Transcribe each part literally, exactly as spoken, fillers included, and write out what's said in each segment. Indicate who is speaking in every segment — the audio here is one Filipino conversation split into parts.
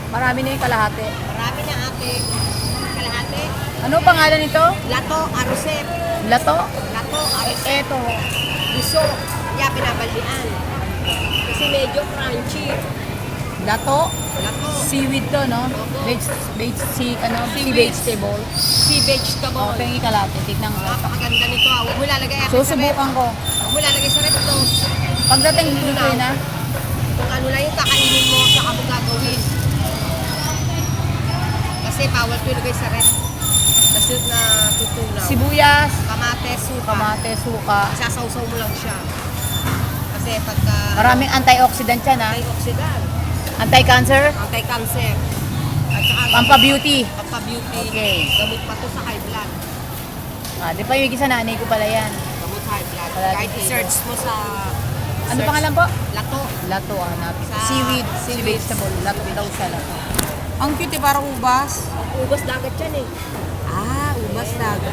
Speaker 1: Marami na yung kalahati.
Speaker 2: Marami na ate. Kalahati.
Speaker 1: Ano pangalan nito?
Speaker 2: Lato, aruset.
Speaker 1: Lato?
Speaker 2: Lato, aruset.
Speaker 1: Eto.
Speaker 2: Gusto. Kaya pinabaldian. Kasi medyo crunchy.
Speaker 1: Lato?
Speaker 2: Lato.
Speaker 1: Seaweed to, no?
Speaker 2: Opo.
Speaker 1: Veg, veg, sea, ano? Sea
Speaker 2: Seaweed.
Speaker 1: vegetable.
Speaker 2: Sea vegetable.
Speaker 1: O, pengi kalahati. Tignan ko.
Speaker 2: Napakaganda nito. ah. Huwag mo lalagay ate sa rep.
Speaker 1: Susubukan ko.
Speaker 2: Huwag mo lalagay sa rep ito.
Speaker 1: Pagdating dito na,
Speaker 2: Kung ano lang yung kakainin mo, saka mo gagawin. Kasi bawal ko ilagay sa rep. Kasi na tutunaw.
Speaker 1: sibuyas,
Speaker 2: Kamates, suka.
Speaker 1: kamate, suka.
Speaker 2: Sasawsaw mo lang siya. Kasi pagka...
Speaker 1: Maraming antioxidant yan, ha?
Speaker 2: Antioxidant.
Speaker 1: Anti-cancer,
Speaker 2: Anti-cancer. At saka...
Speaker 1: pampa-beauty.
Speaker 2: Pampa-beauty.
Speaker 1: Okay.
Speaker 2: Gamot pa to sa high blood.
Speaker 1: Ah, di pa yung sa nanay ko pala yan.
Speaker 2: Gamot sa high blood.
Speaker 1: Palagi
Speaker 2: Kahit
Speaker 1: dito.
Speaker 2: i-search mo sa...
Speaker 1: Ano
Speaker 2: search-
Speaker 1: pangalan po?
Speaker 2: Lato.
Speaker 1: Lato, ang hanapin.
Speaker 2: Sa-
Speaker 1: Seaweed, sea
Speaker 2: seaweed.
Speaker 1: vegetable. Lato daw siya, lato.
Speaker 3: Ang cute eh, parang ubas.
Speaker 2: Ubas dagat yan eh.
Speaker 3: Ah, ubas dagat.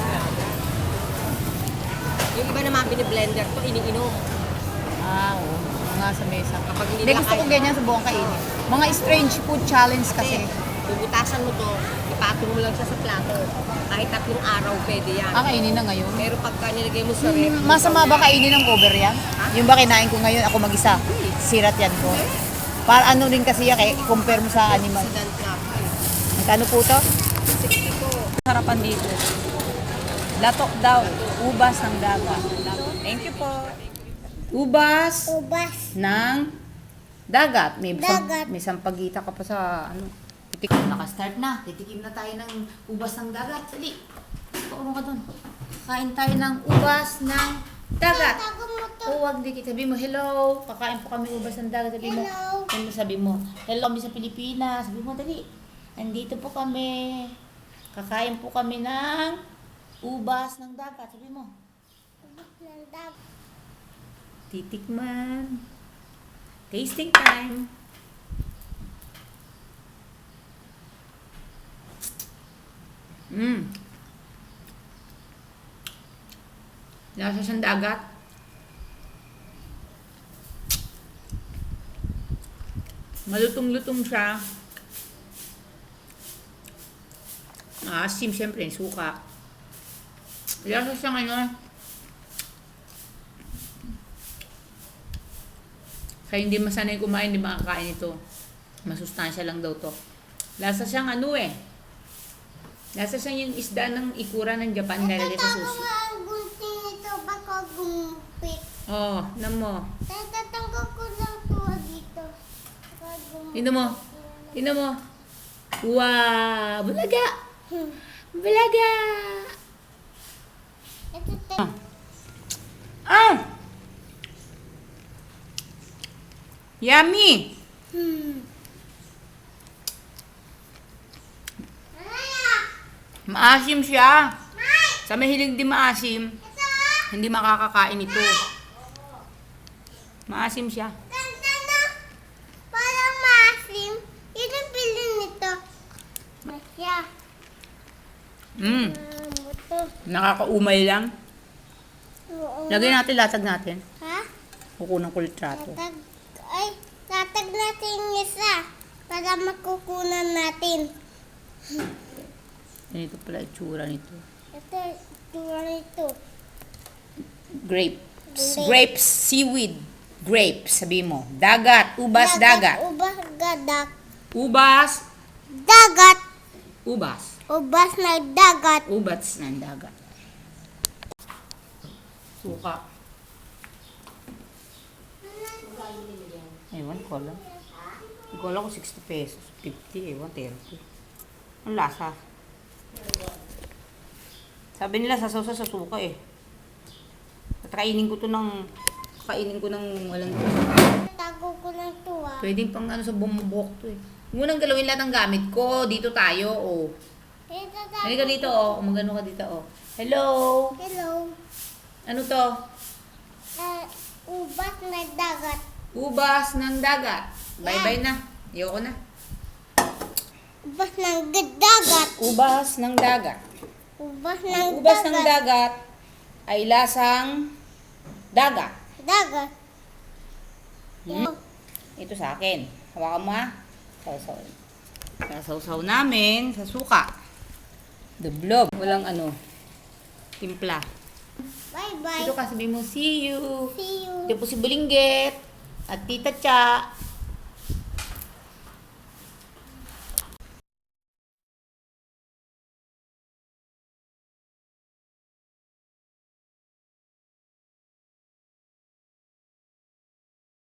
Speaker 2: Yung iba naman biniblender to, iniinom.
Speaker 1: Ah, oo. Mga sa mesa.
Speaker 2: Kapag hindi
Speaker 1: Hindi,
Speaker 2: nila
Speaker 1: gusto ko
Speaker 2: kaya-
Speaker 1: ganyan sa buong kainin. Mga strange food challenge kasi.
Speaker 2: Kasi, bubutasan mo to, ipatong mo lang siya sa plato. Kahit tatlong araw, pwede yan.
Speaker 1: Ah, kainin na ngayon.
Speaker 2: Pero pagka nilagay mo sa rep,
Speaker 1: Hmm, masama ba kainin ng cover yan? Yung ba kinain ko ngayon, ako mag-isa? Sirat yan ko. Para ano rin kasi yan, eh, compare mo sa animal.
Speaker 2: Accident nga.
Speaker 1: Magkano po to?
Speaker 2: sixty po.
Speaker 1: Harapan dito. Latok daw. Ubas ng dagat. Thank you po. Ubas
Speaker 4: Ubas.
Speaker 1: ng dagat. May,
Speaker 4: Dagat.
Speaker 1: may sampagita ka pa sa ano. Titik. Naka-start na. Titikim na tayo ng ubas ng dagat. Dali. Paano ka dun? Kain tayo ng ubas ng dagat.
Speaker 4: Tago mo to.
Speaker 1: O wag di sabi mo, hello, kakain po kami ubas ng dagat. Sabi mo,
Speaker 4: Hello.
Speaker 1: ano sabi mo, hello kami sa Pilipinas. Sabi mo, dali, nandito po kami. Kakain po kami ng ubas ng dagat. Sabi mo,
Speaker 4: Ubas ng dagat.
Speaker 1: titikman. Tasting time. Mmm. Lasa siyang dagat. Malutong-lutong siya. Maasim, siyempre, suka. Lasa siyang ano. Kaya hindi masanay kumain, hindi makakain ito. Masustansya lang daw to. Lasa siyang ano eh. Lasa siyang yung isda ng ikura ng Japan nilalagay sa
Speaker 4: Tago
Speaker 1: sushi.
Speaker 4: mo ang gunting nito baka gumpit.
Speaker 1: Oh, nam mo.
Speaker 4: Tatatanggal ko lang to dito. Baka gumpit.
Speaker 1: Tingnan mo. Tingnan mo. Wow! Bulaga!
Speaker 4: Hmm.
Speaker 1: Bulaga!
Speaker 4: Ito tayo.
Speaker 1: Ah! Yummy!
Speaker 4: Hmm.
Speaker 1: Maasim siya. Sa mahilig di maasim, hindi makakakain ito. Maasim siya.
Speaker 4: Ganda na. Parang maasim. Yun ang bilhin nito. Masya.
Speaker 1: Mm.
Speaker 4: Ah, buto.
Speaker 1: Nakakaumay lang.
Speaker 4: Oo.
Speaker 1: Lagyan natin, latag natin.
Speaker 4: Ha?
Speaker 1: Kukunan ko litrato.
Speaker 4: Tatag. Ay, tatag natin yung isa. Para makukunan natin.
Speaker 1: Ganito pala itsura nito.
Speaker 4: Ito, tura nito.
Speaker 1: Grapes.
Speaker 4: Grape.
Speaker 1: Grapes, seaweed. Grapes, sabi mo. Dagat, ubas, dagat.
Speaker 4: Ubas, gadak.
Speaker 1: Ubas,
Speaker 4: Dagat.
Speaker 1: ubas.
Speaker 4: Ubas na dagat.
Speaker 1: Ubats ng dagat. Suka. Ewan ko lang. Hindi ko alam kung sixty pesos, fifty, ewan, thirty. Ang lasa. Sabi nila sasaw sa suka eh. At kainin ko to ng, kainin ko ng walang,
Speaker 4: Tago ko lang to ah.
Speaker 1: pwedeng pang ano sa bumubok to eh. Munang galawin lahat ng gamit ko. Dito tayo, oh.
Speaker 4: Ito, tago.
Speaker 1: Halika dito, oh. Magano ka dito, oh. Hello!
Speaker 4: Hello.
Speaker 1: Ano to?
Speaker 4: Uh, ubas na dagat.
Speaker 1: Ubas ng dagat. Bye-bye na. Ayoko na.
Speaker 4: Ubas ng dagat.
Speaker 1: Ubas ng dagat.
Speaker 4: Ubas
Speaker 1: Ang
Speaker 4: ng
Speaker 1: ubas ng
Speaker 4: dagat.
Speaker 1: dagat ay lasang dagat.
Speaker 4: Dagat.
Speaker 1: Hmm? Ito sa akin. Hawakan mo ha. So, so. Kaya sausaw namin sa suka. Dublog. Walang ano, timpla.
Speaker 4: Bye-bye.
Speaker 1: Ito ka, sabi mo, see you.
Speaker 4: See you.
Speaker 1: Ito po si Bulinggit at Tita Cha.